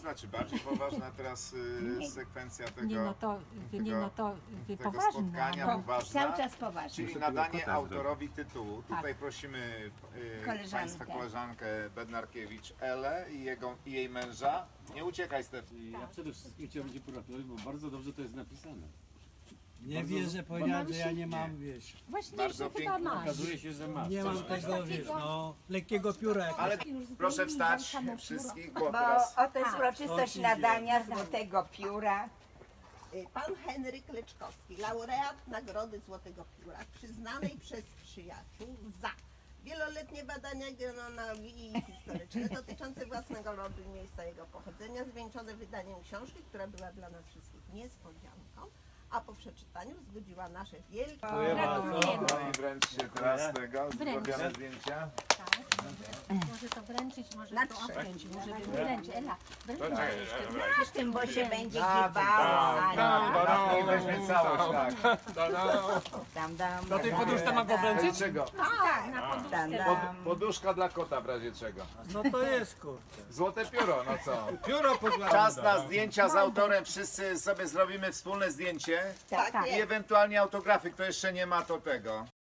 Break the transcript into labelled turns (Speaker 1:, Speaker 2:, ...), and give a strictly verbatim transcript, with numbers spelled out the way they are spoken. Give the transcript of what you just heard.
Speaker 1: poważna, czy bardziej poważna teraz y, sekwencja tego,
Speaker 2: Nie no to, nie no to y,
Speaker 1: tego
Speaker 2: poważne.
Speaker 1: spotkania
Speaker 2: no.
Speaker 1: poważna?
Speaker 3: Cały czas poważnie.
Speaker 1: Czyli nadanie autorowi tytułu. Tutaj prosimy y,
Speaker 3: Koleżankę.
Speaker 1: Państwa koleżankę Bednarkiewicz Elę i, jego, i jej męża. Nie uciekaj, Stef.
Speaker 4: Ja przede wszystkim chciałem Cię pogratulować, bo bardzo dobrze to jest napisane.
Speaker 5: Nie
Speaker 4: Bardzo-
Speaker 5: wierzę, powiedziałem, że ja nie
Speaker 1: Nie.
Speaker 5: mam, wiesz,
Speaker 2: Właśnie,
Speaker 1: Bardzo
Speaker 2: że chyba
Speaker 1: pięknie.
Speaker 2: masz.
Speaker 4: Okazuje się, że masz.
Speaker 5: nie
Speaker 4: Coś
Speaker 5: mam
Speaker 4: masz.
Speaker 5: tego, wiesz, no, lekkiego pióra. jak-
Speaker 1: Ale proszę wstać wszystkich, bo
Speaker 3: Bo
Speaker 1: teraz...
Speaker 3: oto jest uroczystość
Speaker 5: o,
Speaker 3: nadania Złotego Pióra.
Speaker 6: Pan Henryk Leczkowski, laureat Nagrody Złotego Pióra, przyznanej przez przyjaciół za wieloletnie badania genealogii i historyczne dotyczące własnego rodu i miejsca jego pochodzenia, zwieńczone wydaniem książki, która była dla nas wszystkich niespodzianką, a po przeczytaniu wzbudziła nasze wielkie...
Speaker 2: Gratulujemy.
Speaker 1: No i wręczcie teraz tego, zrobione zdjęcia.
Speaker 2: Może to wręczyć, może
Speaker 6: Na
Speaker 2: to
Speaker 6: trzy.
Speaker 2: obciąć, może bym wręczyć. Ela, wręcz jeszcze
Speaker 3: Z tym, bo się będzie
Speaker 1: Tak,
Speaker 3: giewało.
Speaker 1: tak, i weźmie całość, tak.
Speaker 3: Dam, dam.
Speaker 7: Do tej poduszce mam go wręczyć?
Speaker 1: Dlaczego?
Speaker 2: Tak, na
Speaker 3: Dam,
Speaker 2: poduszce.
Speaker 1: Pod,
Speaker 3: dam.
Speaker 1: poduszka dla kota w razie czego.
Speaker 5: No to jest, kurczę.
Speaker 1: Złote pióro, no co?
Speaker 7: Pióro pozwala.
Speaker 1: Czas na zdjęcia z autorem, wszyscy sobie zrobimy wspólne zdjęcie
Speaker 6: Tak,
Speaker 1: i ewentualnie autografy, kto jeszcze nie ma to tego.